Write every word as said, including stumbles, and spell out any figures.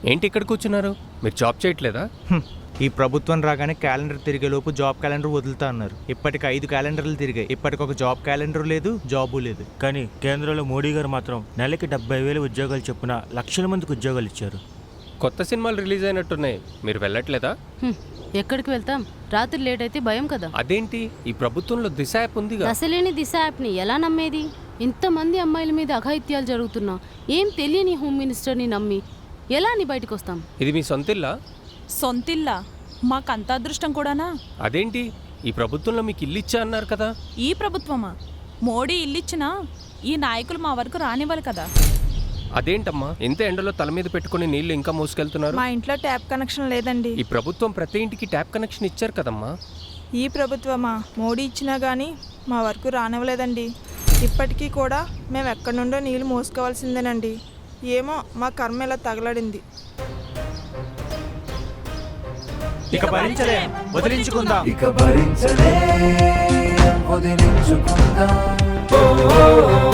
ఏంటి ఇక్కడ కూర్చున్నారు? మీరు జాబ్ చేయట్లేదా? ఈ ప్రభుత్వం రాగానే క్యాలెండర్ తిరిగేలోపు జాబ్ క్యాలెండర్ వదులుతా అన్నారు. ఇప్పటికి ఐదు క్యాలెండర్లు తిరిగాయి. ఇప్పటికొక జాబ్ క్యాలెండర్ లేదు, జాబు లేదు. కానీ కేంద్రంలో మోడీ గారు మాత్రం నెలకి డెబ్బై వేలు ఉద్యోగాలు చొప్పున లక్షల మందికి ఉద్యోగాలు ఇచ్చారు. కొత్త సినిమాలు రిలీజ్ అయినట్టున్నాయి, మీరు వెళ్ళట్లేదా? హ్మ్, ఎక్కడికి వెళ్తాం? రాత్రి లేట్ అయితే భయం కదా. అదేంటి, ఈ ప్రభుత్వంలో దిశ యాప్ ఉందిగా. అసలేని దిశ యాప్ని ఎలా నమ్మేది? ఇంతమంది అమ్మాయిల మీద అఘాయిత్యాలు జరుగుతున్నా ఏం తెలియని హోమ్ మినిస్టర్ని నమ్మి ఎలా అని బయటకు వస్తాం? ఇది మీ సొంతిల్లా? సొంతిల్లా? మాకంత అదృష్టం కూడానా? అదేంటి, ఈ ప్రభుత్వంలో మీకు ఇల్లు ఇచ్చా అన్నారు కదా. ఈ ప్రభుత్వమా? మోడీ ఇల్లిచ్చినా ఈ నాయకులు మా వరకు రానివ్వాలి కదా. అదేంటమ్మా, ఇంత ఎండలో తల మీద పెట్టుకుని నీళ్లు ఇంకా మోసుకెళ్తున్నారు? మా ఇంట్లో ట్యాప్ కనెక్షన్ లేదండి. ఈ ప్రభుత్వం ప్రతి ఇంటికి ట్యాప్ కనెక్షన్ ఇచ్చారు కదమ్మా. ఈ ప్రభుత్వమా? మోడీ ఇచ్చినా కానీ మా వరకు రానివ్వలేదండి. ఇప్పటికీ కూడా మేము ఎక్కడి నుండో నీళ్ళు మోసుకోవాల్సిందేనండి. ఏమో మా కర్మ ఇలా తగలడింది. ఇక భరించలేం, వదిలించుకుందాం. ఇక భరించలేం, వదిలించుకుందాం.